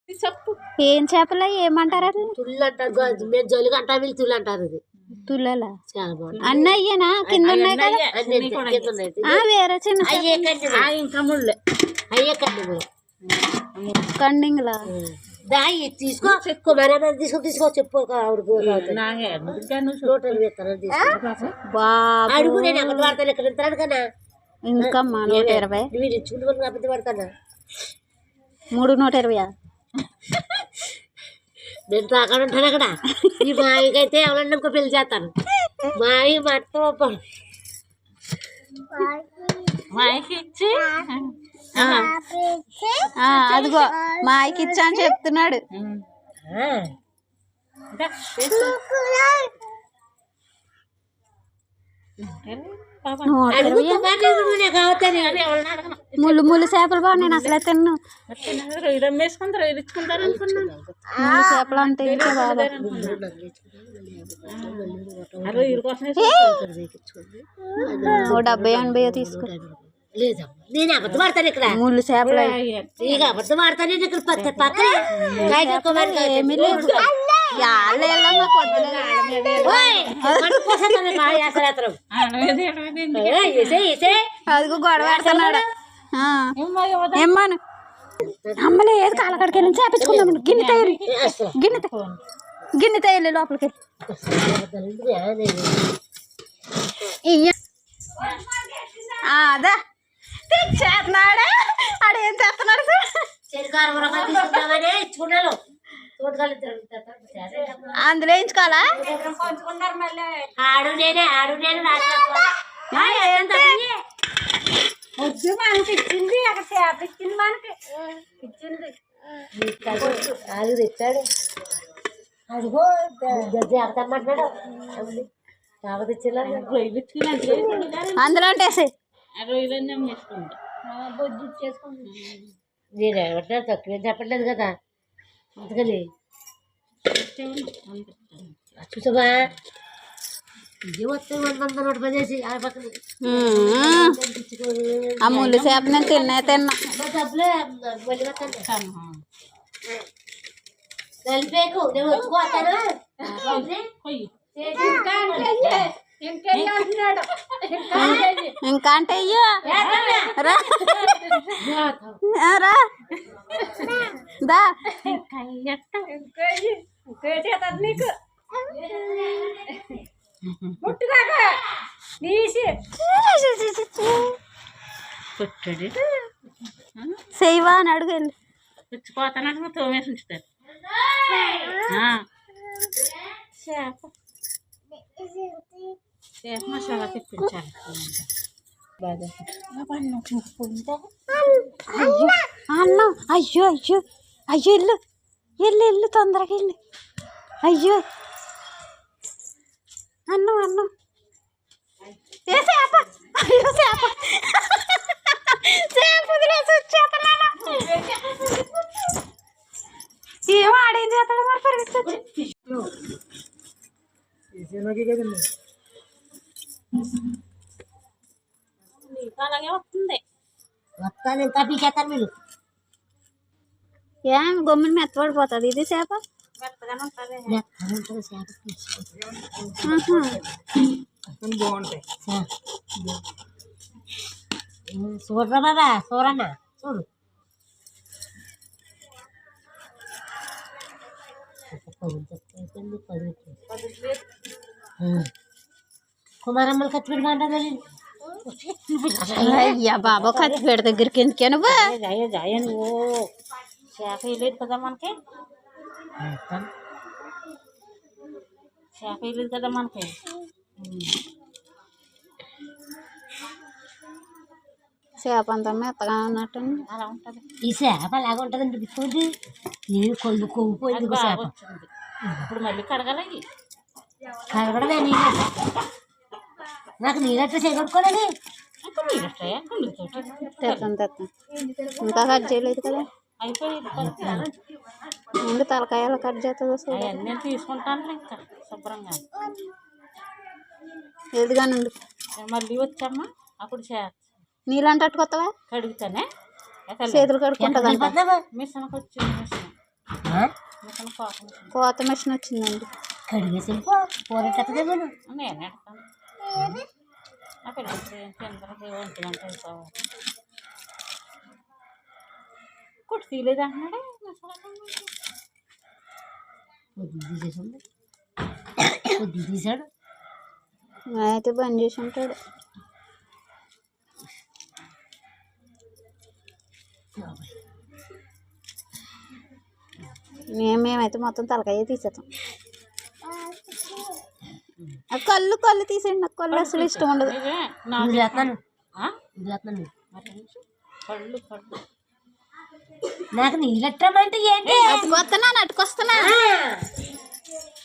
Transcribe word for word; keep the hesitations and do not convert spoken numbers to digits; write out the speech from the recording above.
చెప్పు ఏం చేపలు ఏమంటారు అది? తుళ్ళు అంటారు, మేము జోలిగా అంటారు, వీళ్ళు తుళ్ళు అంటారు. ఇది తుల్లలా? చాలా బాగుంది. అన్న అయ్యేనా? కింద ఉన్నాయి కదా? ఆ, వేరే చిన్న ఇంకా ముళ్ళే అయ్యే కండి కండింగ్లా దాయి తీసుకో కుమారి తీసుకో తీసుకో చెప్పు అడుగు. నేను అబద్ధం పడతాను ఎక్కడ ఇంతాను కదా. ఇంకమ్మా నూట ఇరవై మీరు ఇచ్చుకుంటే అబద్ధం పడతానా? మూడు నూట ఇరవై నేను తాకాడు ఉంటాను అక్కడ. ఈ మాయకైతే ఎవరన్నా ఇంకో పెళ్లి చేస్తాను. మాయ మట్ట మాయకి ఇచ్చి అదిగో మాయకి ఇచ్చా అని చెప్తున్నాడు. ముళ్ళు ముళ్ళు చేపలు బాగా నేను అసలే తిన్ను. వేసుకుంటారు వేయించుకుంటారు అనుకున్నాను. ముళ్ళు చేపలు అంతే బాబా. ఓ డెబ్బై ఎనభై తీసుకో. నేను అబద్ధం పడతాను ఇక్కడ. ముళ్ళు చేపలు ఇక అబద్ధం పడతాను నేను ఇక్కడ పక్కన ఏమీ లేదు. అదిగో గొడవ పెడుతున్నాడు. ఏమ్మను అమ్మలే ఏది కాలకాడికి వెళ్ళి చేపించుకుందాం. గిన్నె తయారు గిన్నె గిన్నె తయారు లోపలికి అదా తెచ్చేస్తున్నాడా? ఆడేం చేస్తున్నాడు? అందులో వేయించుకోవాలా? ఆడు నేనే ఆడు నేను వద్దు మనకి ఇచ్చింది అక్కడ చేప ఇచ్చింది మనకి ఇచ్చింది ఆడు తెచ్చాడు. అదిగో జాగ్రత్తమ్మంటున్నాడు. జాగ్రత్త ఇచ్చేలా రొయ్యలు ఇచ్చుకుని అందులో వేసి రొయ్యలన్నీ అమ్మేసుకుంటా బొజ్జు ఇచ్చేసుకుంటా. నేను ఎవరినారు తక్కువ చెప్పట్లేదు కదా. అందుకని చూసావా ఇదే వస్తే వంద వంద నూట పది వేసి ఆ పక్కన ఆ ముళ్ళు చేప నేను తిన్నా తిన్నా డబ్బులే మళ్ళీ వస్తాను. కలిపేకు నేను వచ్చుకోతాను. ఇంకా అంటే అయ్యో రా రా దా నీకు ముట్టుగాక తీసి పుట్టడి సేవా అని అడుగు వెళ్ళి పుచ్చిపోతాను తోమేసి ఉంచుతారు. చేప చేప మసాలా తెప్పించాలి. అన్నం అయ్యో అయ్యో అయ్యో ఇల్లు ఇల్లు ఇల్లు తొందరగా ఇల్లు. అయ్యో అన్నం అన్నం ఏ చేప అయ్యో చేప చేప వదిలేసి వచ్చేస్తున్నాను. ఏం ఆడేం చేస్తాడు మరి పరిగెత్తి అలాగే వస్తుంది. వస్తాను ఇంకా పీకేస్తాను మీరు. ఏం గమ్మున మెత్తపడిపోతుంది ఇది చేప. మెత్తగానే ఉంటుంది. బాగుంటాయి. చూడరా బాబా చూడన్నా చూడు. కుమారమ్మలు ఖర్చు పెట్టుకుంటా. అయ్యా బాబా ఖర్చు పెడ దగ్గరికి ఎందుకే నువ్వు జాయ జాయ నువ్వు చేప వేయలేదు కదా మనకి. చేప వేయలేదు కదా మనకి. చేప అంతా మెత్తగా ఉన్నట్టు అలా ఉంటుంది. ఈ చేప అలాగ ఉంటుందండి. బిట్టుకోండి నేను కొల్లు కొవ్వుపోయింది చేప. ఇప్పుడు మళ్ళీ కడగాలి. కడగడమే నీళ్ళు నాకు నీళ్ళట్టు చేయగొట్టుకోలేదు. ఇంకా నీళ్ళు వస్తాయా గుళ్ళతో తెస్తాను తెస్తాను. ఇంకా కట్ చేయలేదు కదా. అయిపోయింది. ముందు తలకాయలు కట్ చేస్తుంది. అవన్నీ తీసుకుంటాను ఇంకా శుభ్రంగా. ఎదుగానుండు మళ్ళీ వచ్చామ్మా అప్పుడు చేస్తా. నీళ్ళంటే అట్టుకొస్తావా? కడుగుతానే చేతులు కడుక్కుంటుందంట. మిషన్కి వచ్చింది. మిషన్ కోత మిషన్ వచ్చిందండి. కడిగేసి వెళ్ళిపో కూరెట్టదే మనం. నేను ఎడతాను నా పిల్లలకి చంద్రకి ఒంటిగంట అయిపోవాలి. కుట్టి తీయలేదు అంటున్నాడే కొద్ది తీసేసింది కొద్ది తీసాడు. అయితే బంద్ చేసి ఉంటాడు. మేము మేమైతే మొత్తం తలకాయ తీసేస్తాం. ఆ కళ్ళు కళ్ళు తీసేయండి. నాకు కళ్ళు అసలు ఇష్టం ఉండదు. నువ్వు చేస్తున్నాను నువ్వు చేస్తున్నాను కళ్ళు కళ్ళు నాకు నీళ్ళెట్టమంటే ఏంటి? అటుకొస్తున్నా అటుకొస్తున్నా